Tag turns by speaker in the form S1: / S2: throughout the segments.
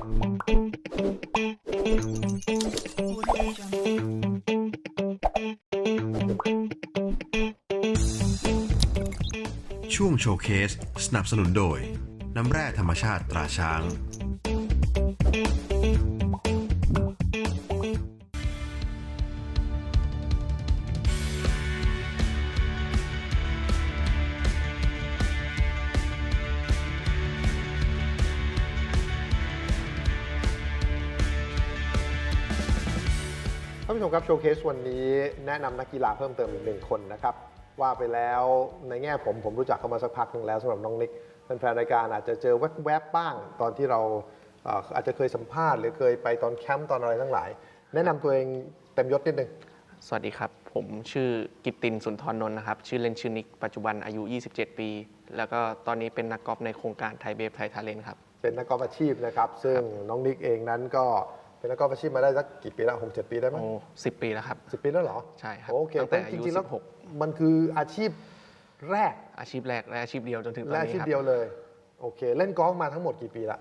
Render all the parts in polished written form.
S1: ช่วงโชว์เคสสนับสนุนโดยน้ำแร่ธรรมชาติตราช้าง
S2: ท่านผู้ชมครับโชว์เคสวันนี้แนะนำนักกีฬาเพิ่มเติมอีก1 คนนะครับว่าไปแล้วในแง่ผมรู้จักเขามาสักพักหนึ่งแล้วสำหรับน้องนิกแฟนๆรายการอาจจะเจอแวบๆบ้างตอนที่เราอาจจะเคยสัมภาษณ์หรือเคยไปตอนแคมป์ตอนอะไรทั้งหลายแนะนำตัวเองเต็มยศนิดนึง
S3: สวัสดีครับผมชื่อกิตตินสุนทรนนท์นะครับชื่อเล่นชื่อนิกปัจจุบันอายุ27 ปีแล้วก็ตอนนี้เป็นนักกอล์ฟในโครงการไทยเบฟไทยทาเลนต์ครับ
S2: เป็นนักกอล์ฟอาชีพนะครับซึ่งน้องนิกเองนั้นก็เป็นนักกอล์ฟอาชีพมาได้สักกี่ปีแล้ว6-7 ปีได้ไหม
S3: โอ้10 ปีแล้วครับ
S2: 10 ปีแล้วเหรอ
S3: ใช่ครับ
S2: โอเค
S3: ตั้งแต่อายุ
S2: 16มันคืออาชีพแรก
S3: อาชีพแรกและอาชีพเดียวจนถึงตอนนี้ครับ
S2: อาชีพเดียวเลยโอเคเล่นกอล์ฟมาทั้งหมดกี่ปีละ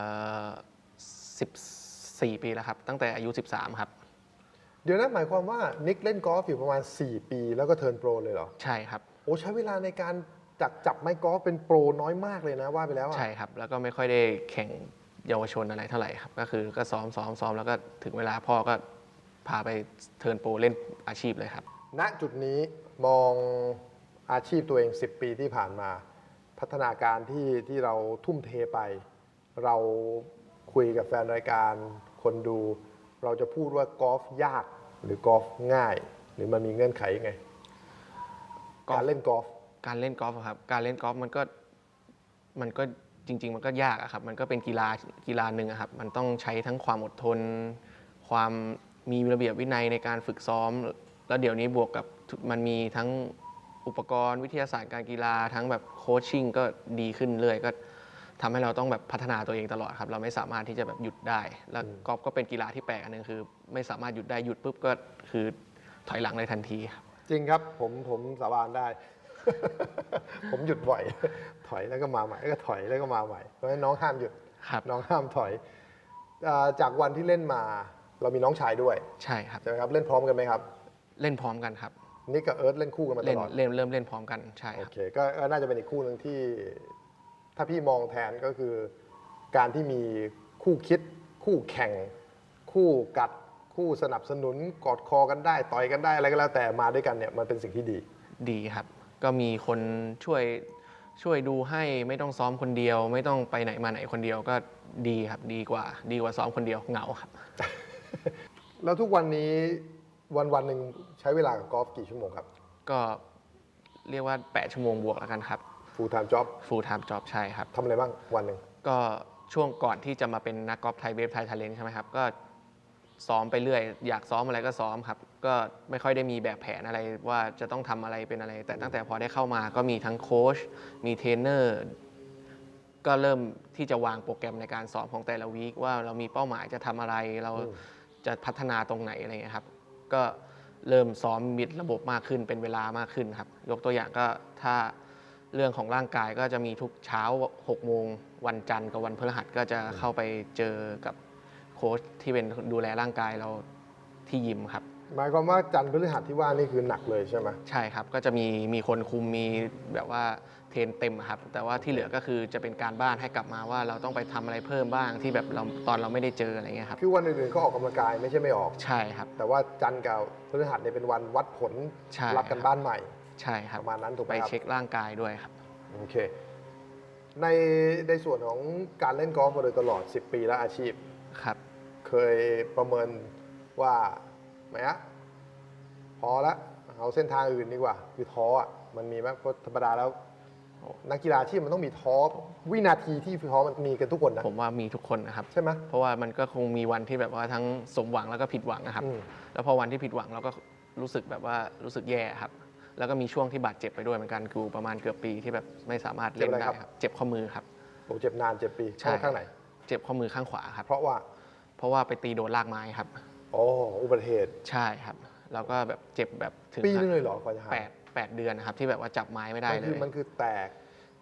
S3: 14 ปีแล้วครับตั้งแต่อายุ13ครับ
S2: เดี๋ยวนั้นหมายความว่านิกเล่นกอล์ฟอยู่ประมาณ4 ปีแล้วก็เทิร์นโปรเลยเหรอ
S3: ใช่ครับ
S2: โอ้ใช้เวลาในการจับไม้กอล์ฟเป็นโปรน้อยมากเลยนะว่าไปแล้ว
S3: ใช่ครับแล้วก็ไม่ค่อยได้แข่งเยาวชนอะไรเท่าไหร่ครับก็คือก็ซ้อมแล้วก็ถึงเวลาพ่อก็พาไปเทิร์นโปรเล่นอาชีพเลยครับ
S2: ณจุดนี้มองอาชีพตัวเอง10 ปีที่ผ่านมาพัฒนาการที่เราทุ่มเทไปเราคุยกับแฟนรายการคนดูเราจะพูดว่ากอล์ฟยากหรือกอล์ฟง่ายหรือมันมีเงื่อนไขยังไงการเล่นกอล์ฟ
S3: ครับการเล่นกอล์ฟมันก็จริงๆมันก็ยากครับมันก็เป็นกีฬาหนึ่งครับมันต้องใช้ทั้งความอดทนความมีระเบียบวินัยในการฝึกซ้อมแล้วเดี๋ยวนี้บวกกับมันมีทั้งอุปกรณ์วิทยาศาสตร์การกีฬาทั้งแบบโคชชิ่งก็ดีขึ้นเรื่อยก็ทำให้เราต้องแบบพัฒนาตัวเองตลอดครับเราไม่สามารถที่จะแบบหยุดได้แล้วกอล์ฟก็เป็นกีฬาที่แปลกอันนึงคือไม่สามารถหยุดได้หยุดปุ๊บก็คือถอยหลังในทันทีครับ
S2: จริงครับผมสาบานได้ ผมหยุดบ่อยถอยแล้วก็มาใหม่แล้วก็ถอยแล้วก็มาใหม่เพราะฉะนั้นน้องห้ามหยุดน้องห้ามถอยจากวันที่เล่นมาเรามีน้องชายด้วย
S3: ใช่ครับ
S2: ใช่ไหมครับเล่นพร้อมกันไหมครับ
S3: เล่นพร้อมกันครับ
S2: นิกกับเอิร์ธเล่นคู่กันมาตลอด
S3: เริ่มเล่นพร้อมกันใช่ครับ
S2: โอเคก็น่าจะเป็นอีกคู่หนึ่งที่ถ้าพี่มองแทนก็คือการที่มีคู่คิดคู่แข่งคู่กัดคู่สนับสนุนกอดคอกันได้ต่อยกันได้อะไรก็แล้วแต่มาด้วยกันเนี่ยมันเป็นสิ่งที่
S3: ดีครับก็มีคนช่วยดูให้ไม่ต้องซ้อมคนเดียวไม่ต้องไปไหนมาไหนคนเดียวก็ดีครับดีกว่าซ้อมคนเดียวเหงาครับ
S2: แล้วทุกวันนี้วันหนึ่งใช้เวลากับกอล์ฟกี่ชั่วโมงครับ
S3: ก็เรียกว่า8 ชั่วโมงบวกแล้วกันครับ
S2: full time job
S3: ใช่ครับ
S2: ทำอะไรบ้างวันหนึ่ง
S3: ก็ช่วงก่อนที่จะมาเป็นนักกอล์ฟไทยเวฟไทยทาเลนต์ใช่ไหมครับก็ซ้อมไปเรื่อยอยากซ้อมอะไรก็ซ้อมครับก็ไม่ค่อยได้มีแบบแผนอะไรว่าจะต้องทำอะไรเป็นอะไรแต่ตั้งแต่พอได้เข้ามาก็มีทั้งโค้ชมีเทรนเนอร์ก็เริ่มที่จะวางโปรแกรมในการซ้อมของแต่ละวีคว่าเรามีเป้าหมายจะทำอะไรเราจะพัฒนาตรงไหนอะไรเงี้ยครับก็เริ่มซ้อมมีระบบมากขึ้นเป็นเวลามากขึ้นครับยกตัวอย่างก็ถ้าเรื่องของร่างกายก็จะมีทุกเช้า6 โมงวันจันทร์กับวันพฤหัสก็จะเข้าไปเจอกับโค้ชที่เป็นดูแลร่างกายเราที่ยิมครับ
S2: หมายความว่าจันทร์พฤหัสที่ว่านี่คือหนักเลยใช่ไหม
S3: ใช่ครับก็จะมีคนคุมมีแบบว่าเทรนเต็มครับแต่ว่าที่เหลือก็คือจะเป็นการบ้านให้กลับมาว่าเราต้องไปทำอะไรเพิ่มบ้างที่แบบตอนเราไม่ได้เจออะไรเงี้ยครับ
S2: คือวันอื่นๆก็ออกกำลังกายไม่ใช่ไม่ออก
S3: ใช่ครับ
S2: แต่ว่าจันทร์กับพฤหัสเนี่ยเป็นวันวัดผลรับกันบ้านใหม่
S3: ใช่ครับ
S2: ประมาณนั้นถูกไหม
S3: ไป
S2: ครับ
S3: เช็คร่างกายด้วยครับ
S2: โอเคในส่วนของการเล่นกอล์ฟมาโดยตลอด10 ปีแล้วอาชีพ
S3: ครับ
S2: เคยประเมินว่าไหมอะพอละเอาเส้นทางอื่นดีกว่าคือท้ออ่ะมันมีไหมเพราะธรรมดาแล้วนักกีฬาอาชีพมันต้องมีท้อวินาทีที่ท้อมันมีกันทุกคนนะ
S3: ผมว่ามีทุกคนนะครับ
S2: ใช่ไหม
S3: เพราะว่ามันก็คงมีวันที่แบบว่าทั้งสมหวังแล้วก็ผิดหวังนะครับแล้วพอวันที่ผิดหวังเราก็รู้สึกแบบว่ารู้สึกแย่ครับแล้วก็มีช่วงที่บาดเจ็บไปด้วยเหมือนกันคือประมาณเกือบปีที่แบบไม่สามารถเล่นได้ครับเจ็บข้อมือครับ
S2: โอ้เจ็บนาน7 ปีข้างไหน
S3: เจ็บข้อมือข้างขวาครับ
S2: เพราะว่า
S3: ไปตีโดนรากไม้ครับ
S2: อ๋ออุบัติเหตุ
S3: ใช่ครับแล้วก็แบบเจ็บแบบถึง
S2: ปีนึงเลยเหรอกว่าจะหาย
S3: 8 เดือนนะครับที่แบบว่าจับไม้ไม่ได้เลย
S2: มันคือแตก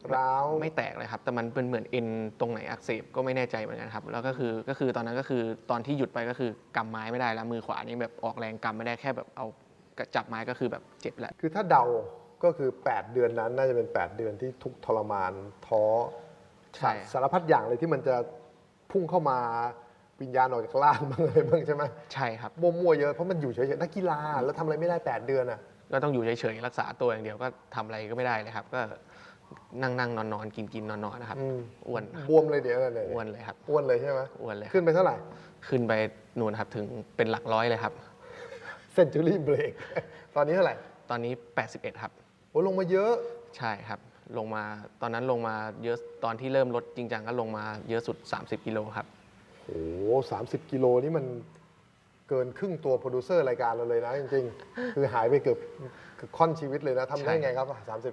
S2: ร้าว
S3: ไม่แตกเลยครับ แต่มันเป็นเหมือนเอ็นตรงไหนอักเสบก็ไม่แน่ใจเหมือนกันครับ แล้วก็คือตอนนั้นก็คือตอนที่หยุดไปก็คือกำไม้ไม่ได้แล้วมือขวานี่แบบออกแรงกำไม่ได้แค่แบบเอาจับไม้ก็คือแบบเจ็บแล้ว
S2: คือถ้าเดาก็คือ 8 เดือนนั้นน่าจะเป็น 8 เดือนที่ทุกข์ทรมานท้อ
S3: ใช่
S2: สารพัดอย่างเลยที่มันจะพุ่งเข้ามาวิญญาณออกจากร่างบ้างอะไรบ้างใช่ไหม
S3: ใช่ครับ
S2: มั่วๆเยอะเพราะมันอยู่เฉยๆนักกีฬาแล้วทำอะไรไม่ได้ 8 เดือนอ่ะ
S3: ก็ต้องอยู่เฉยๆรักษาตัวอย่างเดียวก็ทำอะไรก็ไม่ได้เลยครับ ก็นั่งนอนกินนอนนะครับ
S2: อืม
S3: อ้วน
S2: บวมเลยเดี๋ยวอะไรเนี่ย
S3: อ้วนเลยครับ
S2: อ้วนเลยใช่ไหม
S3: อ้วนเลยครับ
S2: ขึ้นไปเท่าไหร่
S3: ขึ้นไปนู่นครับถึงเป็นหลักร้อยเลยครับ
S2: เซนจูรี่เบรก ตอนนี้เท่าไหร่
S3: ตอนนี้ 81 ครับ
S2: โอ้ลงมาเยอะ
S3: ใช่ครับ ลงมาตอนนั้นลงมาเยอะตอนที่เริ่มลดจริงจังก็ลงมาเยอะสุด 30 กิโลครับ
S2: โอ้30 กิโลนี่มันเกินครึ่งตัวโปรดิวเซอร์รายการเราเลยนะจริงๆ คือหายไปเกือบค่อนชีวิตเลยนะทำได้ไงครับ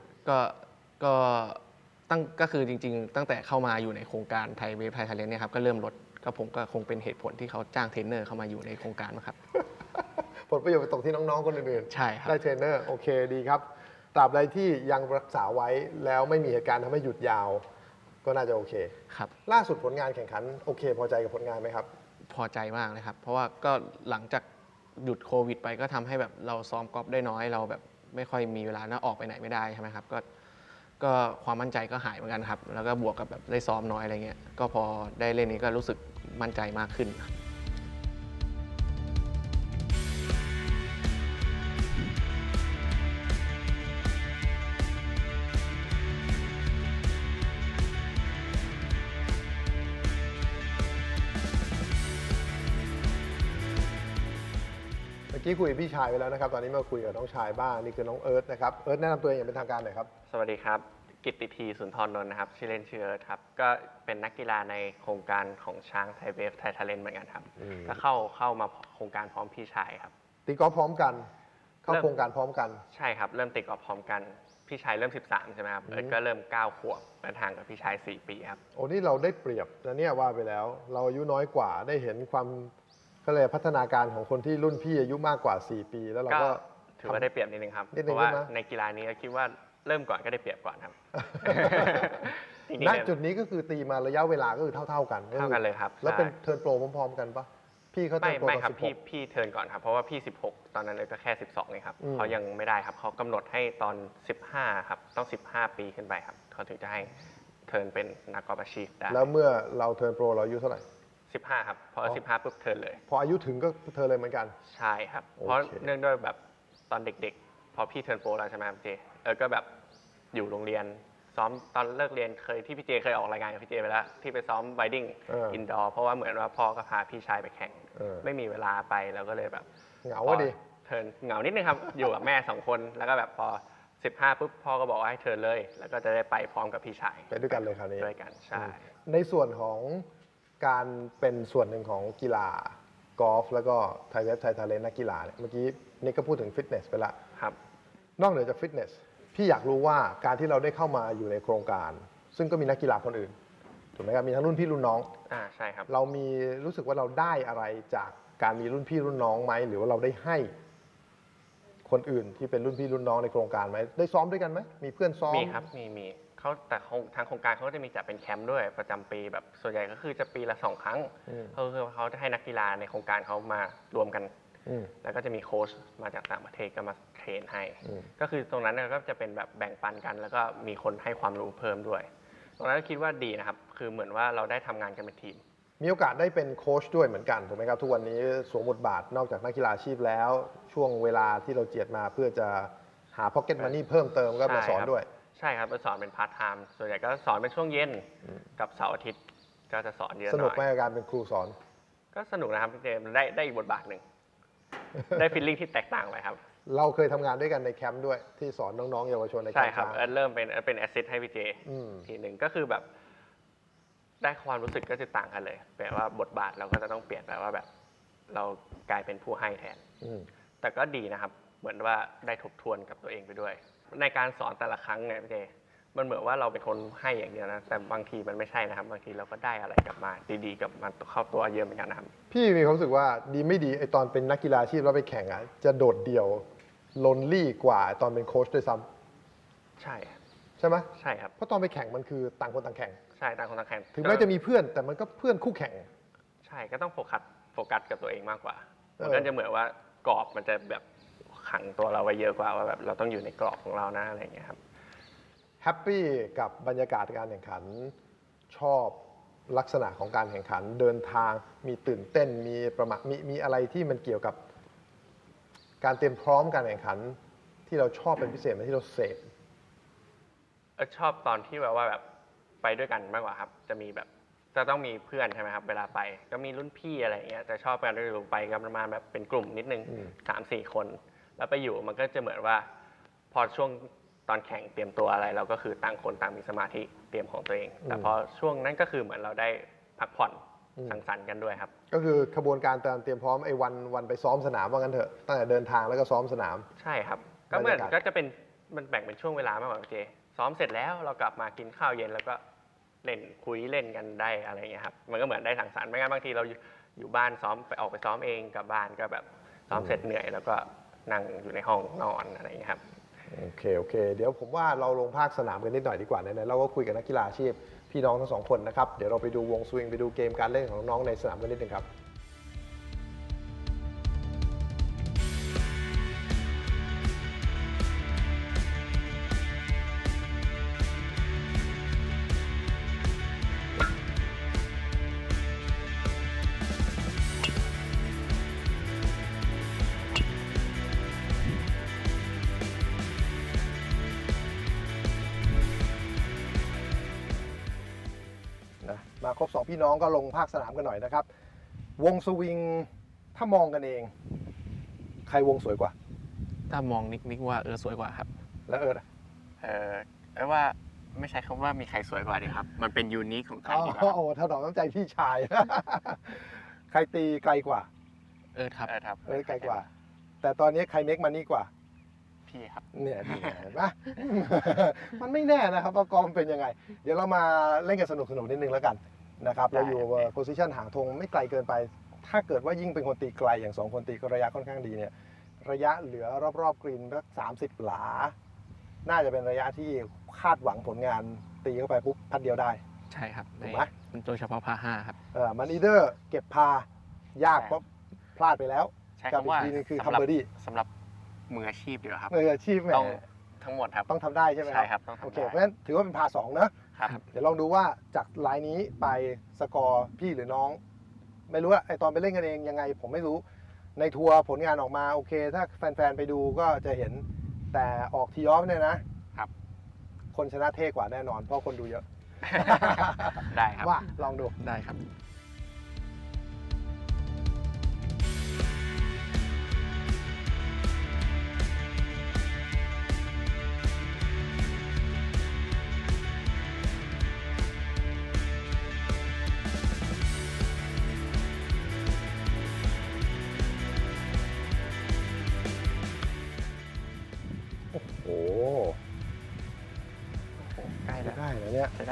S3: ก็คือจริงๆ ตั้งแต่เข้ามาอยู่ในโครงการไทยเวฟไทยทาเลนต์เนี่ยครับก็เริ่มลดก็ผมก็คงเป็นเหตุผลที่เขาจ้างเทรนเนอร์เข้ามาอยู่ในโครงการนะครับ
S2: 30 ผลประโยชน์ไปตกที่น้องๆ คนอื่น
S3: ใช่ครับ
S2: ได้เทรนเนอร์โอเคดีครับตราบใดที่ยังรักษาไว้แล้วไม่มีเหตุการณ์ทำให้หยุดยาว ก็น่าจะโอเค
S3: ครับ
S2: ล่าสุดผลงานแข่งขันโอเค พอใจกับผลงานไหมครับ
S3: พอใจมากเลยครับ เพราะว่าก็หลังจากหยุดโควิดไปก็ทำให้แบบเราซ้อมกอล์ฟได้น้อยเราแบบไม่ค่อยมีเวลาน่าออกไปไหนไม่ได้ใช่ไหมครับก็ความมั่นใจก็หายเหมือนกันครับ แล้วก็บวกกับแบบได้ซ้อมน้อยอะไรเงี้ยก็พอได้เล่นนี้ก็รู้สึกมั่นใจมากขึ้นครับ
S2: เมื่อกี้คุยกับพี่ชายไปแล้วนะครับ ตอนนี้มาคุยกับน้องชายบ้างนี่คือน้องเอิร์ธนะครับเอิร์ธแนะนำตัวเองอย่างเป็นทางการหน่อยครับ
S4: สวัสดีครับ กิตติทีสุนทรนนท์นะครับ ชื่อเล่นชื่อเอิร์ธครับ ก็เป็นนักกีฬาในโครงการของช้างไทยเวฟไทยทาเลนต์เหมือนกันครับ ก็เข้ามาโครงการพร้อมพี่ชายครับ
S2: ตีกอล์ฟพร้อมกัน เข้า
S4: เริ่ม
S2: โครงการพร้อมกัน
S4: ใช่ครับ เริ่มติดกอล์ฟพร้อมกัน พี่ชายเริ่ม 13 ใช่ไหมครับ เอิร์ธก็เริ่ม 9 ขวบเดินทางกับพี่ชาย 4 ปีครับ
S2: โอ้นี่เราได้เปรียบนะเนี่ยว่าไปแล้ว เราอายุน้อยกว่าได้เห็นความก็เลยกพัฒนาการของคนที่รุ่นพี่อายุมากกว่า 4 ปี แล้วเรา
S4: ก็
S2: ก็
S4: ถือว่าได้เปรียบนิดนึงครับ
S2: นิดนึง
S4: เพราะว่า
S2: ใช่ไหม
S4: ในกีฬานี้ก็คิดว่าเริ่มก่อนก็ได้เปรียบก่อนครับ จริงๆ
S2: ณ
S4: เนี่ย
S2: จุดนี้ก็คือตีมาระยะเวลาก็คือเท่าๆกัน
S4: เท่ากันเลยครับ
S2: แล้วเป็น
S4: ใช่
S2: เทิร์นโปรพร้อมๆกันปะพี่เขาเทิ
S4: ไม่
S2: ร์นโปร
S4: ไม่
S2: ตอน
S4: ครับ
S2: 16
S4: พี่เทิร์นก่อนครับเพราะว่าพี่ 16 ตอนนั้นเลยก็แค่ 12เองครับ
S2: อืม
S4: เขายังไม่ได้ครับเขากำหนดให้ตอน 15 ครับต้อง 15 ปีขึ้นไปครับเขาถึงจะให้เทิร์นเป็นนักกอล์ฟอาชีพได้
S2: แล้วเมื่อเราเทิร์นโปรเราอายุเท่าไหร่
S4: 15 ครับพอ 15 ปุ๊บเทิร์นเลย
S2: พออายุถึงก็เทิร์นเลยเหมือนกัน
S4: ใช่ครับ
S2: โอเค
S4: เพราะเนื่องด้วยแบบตอนเด็กๆ พอพี่เทิร์นโปรแล้วใช่ไหมครับเจก็แบบอยู่โรงเรียนซ้อมตอนเลิกเรียนที่พี่เจเคยออกรายงานกับพี่เจไปแล้วที่ไปซ้อมไวดิ้งอินดอร์เพราะว่าเหมือนว่าพ่อก็พาพี่ชายไปแข่ง ไม่มีเวลาไปแล้วก็เลยแบบ
S2: เหงาอะดิ
S4: เทิร์นเหงานิดนึงครับ อยู่กับแม่ 2 คนแล้วก็แบบพอ 15 ปุ๊บพ่อก็บอกว่าให้เทิร์นเลย แล้วก็จะได้ไปพร้อมกับพี่ชาย
S2: ไปด้วยกันเลยคราวนี้
S4: ด้วยกันใช่
S2: ในส่วนของการเป็นส่วนหนึ่งของกีฬากอล์ฟแล้วก็ไทยเวฟไทยทาเลนต์นักกีฬาเนี่ยเมื่อกี้นิกก็พูดถึงฟิตเนสไปละ
S4: ครับ
S2: นอกเหนือจากฟิตเนสพี่อยากรู้ว่าการที่เราได้เข้ามาอยู่ในโครงการ ซึ่งก็มีนักกีฬาคนอื่นถูกไหมครับมีทั้งรุ่นพี่รุ่นน้อง
S4: ใช่ครับ
S2: เรามีรู้สึกว่าเราได้อะไรจากการมีรุ่นพี่รุ่นน้องไหมหรือว่าเราได้ให้คนอื่นที่เป็นรุ่นพี่รุ่นน้องในโครงการไหมได้ซ้อมด้วยกันไหมมีเพื่อนซ้อม
S4: มีครับมีเขาแต่ทางโครงการเขาก็จะมีจัดเป็นแคมป์ด้วยประจำปีแบบส่วนใหญ่ก็คือจะปีละ 2 ครั้ง
S2: อืม
S4: เขาจะให้นักกีฬาในโครงการเขามารวมกัน
S2: อืม
S4: แล้วก็จะมีโค้ชมาจากต่างประเทศก็มาเทรนให้
S2: อืม
S4: ก็คือตรงนั้นเนยก็จะเป็นแบบแบ่งปันกัน แล้วก็มีคนให้ความรู้เพิ่มด้วย ตรงนั้นก็คิดว่าดีนะครับ คือเหมือนว่าเราได้ทำงานกันเป็นทีม
S2: มีโอกาสได้เป็นโค้ชด้วยเหมือนกันถูกไหมครับทุกวันนี้สวมบทบาทนอกจากนักกีฬาอาชีพแล้ว ช่วงเวลาที่เราเจียดมาเพื่อจะหาพ็อกเก็ตมันนี่เพิ่มเติมก็มาสอนด้วย
S4: ใช่ครับไปสอนเป็นพาร์ทไทม์ส่วนใหญ่ก็สอนเป็นช่วงเย็นกับเสาร์อาทิตย์ก็จะสอนเยอะห
S2: ส
S4: น่
S2: นุก
S4: อย
S2: ไหมกับการเป็นครูสอน
S4: ก็สนุกนะครับพี่เจมส์ได้อีกบทบาทหนึ่ง ได้ฟีลลิ่งที่แตกต่างไปครับ
S2: เราเคยทำงานด้วยกันในแคมป์ด้วยที่สอนน้องๆเยาวชนในแค
S4: ใช่
S2: มป์
S4: ครับ
S2: ช้าง
S4: เริ่มเป็นแอสซิสต์ให้พี่เจ
S2: อืม
S4: ทีหนึ่งก็คือแบบได้ความรู้สึกก็จะต่างกันเลยแปลว่าบทบาทเราก็จะต้องเปลี่ยนแปลว่าแบบ เรากลายเป็นผู้ให้แทน
S2: อืม
S4: แต่ก็ดีนะครับ เหมือนว่าได้ทบทวนกับตัวเองไปด้วย ในการสอนแต่ละครั้งเนี่ยพี่เจมันเหมือนว่าเราเป็นคนให้อย่างเดียวนะแต่บางทีมันไม่ใช่นะครับ บางทีเราก็ได้อะไรกลับมาดีๆกับมันเข้าตัวเยอะเหมือนกันนะครับ
S2: พี่มีความรู้สึกว่าดีไม่ดีไอตอนเป็นนักกีฬาอาชีพแล้วไปแข่งอ่ะจะโดดเดี่ยวลนลี่กว่าตอนเป็นโค้ชด้วยซ้ำ
S4: ใช่
S2: ใช่ไหม
S4: ใช่ครับ
S2: เพราะตอนไปแข่งมันคือต่างคนต่างแข่ง
S4: ใช่ต่างคนต่างแข่ง
S2: ถึงแม้จะมีเพื่อนแต่มันก็เพื่อนคู่แข่ง
S4: ใช่ก็ต้องโฟกัสกับตัวเองมากกว่า
S2: เออ
S4: มันก็จะเหมือนว่ากรอบมันจะแบบขังตัวเราไว้เยอะกว่าว่าแบบเราต้องอยู่ในกรอบของเรานะอะไรอย่างเงี้ยครับ
S2: แฮปปี้กับบรรยากาศการแข่งขันชอบลักษณะของการแข่งขันเดินทางมีตื่นเต้นมีประมาทมีอะไรที่มันเกี่ยวกับการเตรียมพร้อมการแข่งขันที่เราชอบเป็นพิเศษไหมที่เราเสพ
S4: ชอบตอนที่แบบว่าแบบไปด้วยกันมากกว่าครับ จะมีแบบจะต้องมีเพื่อนใช่ไหมครับเวลาไปก็มีรุ่นพี่อะไรอย่างเงี้ยแต่ชอบกันด้วยไปกันประมาณแบบเป็นกลุ่มนิดนึง 3-4 คน แล้วไปอยู่มันก็จะเหมือนว่า พอช่วงตอนแข่งเตรียมตัวอะไร เราก็คือต่างคนต่างมีสมาธิเตรียมของตัวเอง แต่พอช่วงนั้นก็คือเหมือนเราได้พักผ่อนสังสรรค์กันด้วยครับ
S2: ก็คือขบวนการเตรียมพร้อมไอ้วันไปซ้อมสนามว่างั้นเถอะตั้งแต่เดินทางแล้วก็ซ้อมสนาม
S4: ใช่ครับ ก็เหมือน
S2: บรรยากาศ
S4: ก็จะเป็นมันแบ่งเป็นช่วงเวลามากกว่าเจซ้อมเสร็จแล้วเรากลับมากินข้าวเย็นแล้วก็เล่นคุยเล่นกันได้อะไรอย่างเงี้ยครับมันก็เหมือนได้สังสรรค์ไม่งั้นบางทีเราอยู่บ้านซ้อมไปออกไปซ้อมเองกลับบ้านก็แบบซ้อมเสร็จเหนื่อยแล้วก็นั่งอยู่ในห้องนอนอะไรอย่างเงี้ยครับ
S2: โอเคเดี๋ยวผมว่าเราลงภาคสนามกันนิดหน่อยดีกว่าไหนๆเราก็คุยกับนักกีฬาอาชีพพี่น้องทั้งสองคนนะครับเดี๋ยวเราไปดูวงสวิงไปดูเกมการเล่นของน้องๆในสนามกันนิดนึงครับ มาครบ2พี่น้องก็ลงภาคสนามกันหน่อยนะครับ วงสวิงถ้ามองกันเอง ใครวงสวยกว่า
S3: ถ้ามองนิกว่าสวยกว่าครับ
S2: แล้วอะ
S4: ว่าไม่ใช้คำว่ามีใครสวยกว่าดีครับ มันเป็นยูนิคของกันดีกว่า
S2: โอ้ถนอมน้ำใจพี่ชาย ใครตีไกลกว่า
S3: ครับ
S4: ครับ
S2: ไกลกว่า แต่ตอนนี้ใครเมคมันนี่กว่า
S4: พี่ครับ
S2: เนี่ยเห็นปะ มันไม่แน่นะครับว่ากองเป็นยังไง เดี๋ยวเรามาเล่นกันสนุกนิดนึงแล้วกันนะครับ
S4: ได้
S2: เราอยู่โพซิชันห่างธงไม่ไกลเกินไป ถ้าเกิดว่ายิ่งเป็นคนตีไกลอย่าง2คนตีก็ระยะค่อนข้างดีเนี่ย ระยะเหลือรอบๆกรีนสัก30 หลา น่าจะเป็นระยะที่คาดหวังผลงานตีเข้าไปปุ๊บพัดเดียวได้
S3: ใช่ครับ
S2: ถูกไหม
S3: โดยเฉพาะพา5ครับ
S2: มันอีเดอร์เก็บพายากเพราะพลาดไปแล้ว
S4: ใช้
S2: กับ
S4: คำว่า
S2: อีกทีนึงคือ
S4: สำหรั
S2: ทำเบอร์ดี้
S4: สำหรับมืออาชีพดีกว่าครับ
S2: มืออาชีพแหม
S4: ต้องทั้งหมดครับ
S2: ต้องทำได้ใช่ไหม
S4: ใช่ครับต้องทำได้
S2: โอเคเพราะฉะนั้นถือว่าเป็นพา2เนอะ
S4: ครับ
S2: เดี๋ยวลองดูว่าจากไลน์นี้ไปสกอร์พี่หรือน้อง ไม่รู้อะไอตอนไปเล่นกันเองยังไงผมไม่รู้ในทัวร์ผลงานออกมาโอเค ถ้าแฟนๆไปดูก็จะเห็นแต่ออกทีออฟเนี่ยนะครับ คนชนะเท่กว่าแน่นอนเพราะคนดูเยอะ
S4: ได้ครับ
S2: ว่าลองดู
S3: ได้ครับ
S2: โอ้โห
S4: ใกล้แล้ว
S2: ได้แล้วเนี่ย
S4: ใช้ได้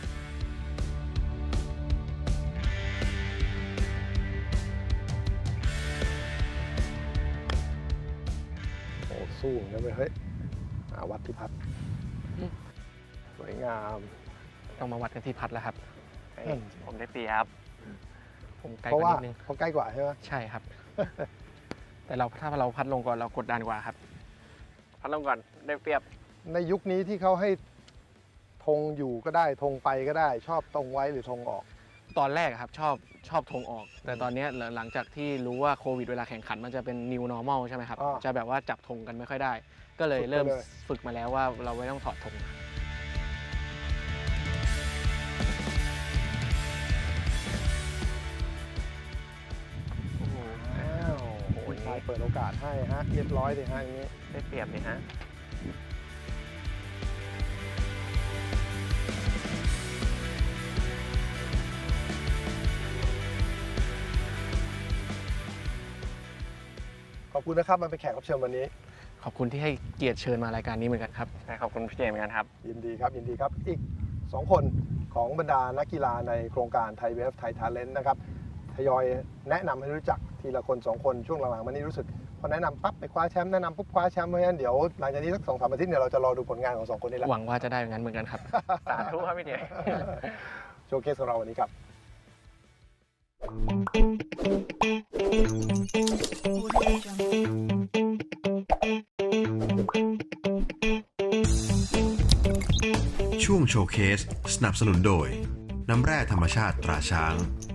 S2: โอ้สู้นะเว้ยเฮ้ยวัดที่พัดสวยงาม
S3: ต้องมาวัดกันที่พัดแล้วครับ
S4: ผมได้เปรียบ
S3: ผมไกล
S2: เพราะ
S3: กว่า
S2: ว่า
S3: นิดนึง
S2: เขาใกล้กว่าใช่ไหม
S3: ใช่ครับ แต่ถ้าเราพัดลงก่อนเรากดดันกว่าครับ
S4: พัดลงก่อนได้เปรียบ
S2: ในยุคนี้ที่เขาให้ธงอยู่ก็ได้ธงไปก็ได้ ชอบธงไว้หรือธงออก
S3: ตอนแรกครับชอบธงออก แต่ตอนเนี้ยหลังจากที่รู้ว่าโควิดเวลาแข่งขันมันจะเป็น new normal ใช่ไหมครับ
S2: อ่า
S3: จะแบบว่าจับธงกันไม่ค่อยได้ ก็เลย
S2: ฝึกไป
S3: เริ่ม
S2: เลย
S3: ฝึกมาแล้วว่าเราไม่ต้องถอดธง
S2: อ้าวโอ้ยชายเปิดโอกาสให้ฮะเรียบร้อยเลยฮะอย่างนี้
S4: ได้เปรียบเลยฮะ
S2: ขอบคุณนะครับมันเป็นแขกรับเชิญวันนี้
S3: ขอบคุณที่ให้เกียรติเชิญมารายการนี้เหมือนกันครับ
S4: ได้ขอบคุณพี่เจมส์เหมือนกันครับ
S2: ยินดีครับอีก 2 คนของบรรดานักกีฬาในโครงการไทยเวฟไทยทาเลนต์นะครับทยอยแนะนำให้รู้จักทีละคน 2 คนช่วงหลังๆมานี้รู้สึกผพอแนะนำปั๊บไปคว้าแชมป์แนะนำปุ๊บคว้าแชมป์เพราะฉะนั้นเดี๋ยวหลังจากนี้สัก2-3 อาทิตย์เนี่ยเราจะรอดูผลงานของ2 คนนี้แล้ว
S3: หวังว่าจะได้อย่างนั้นเหมือนกันครับ
S4: สาธุครับพี่เจ
S2: โชว์เคสของเราวันนี้ครับ
S1: ช่วงโชว์เคสสนับสนุนโดย น้ำแร่ธรรมชาติตราช้าง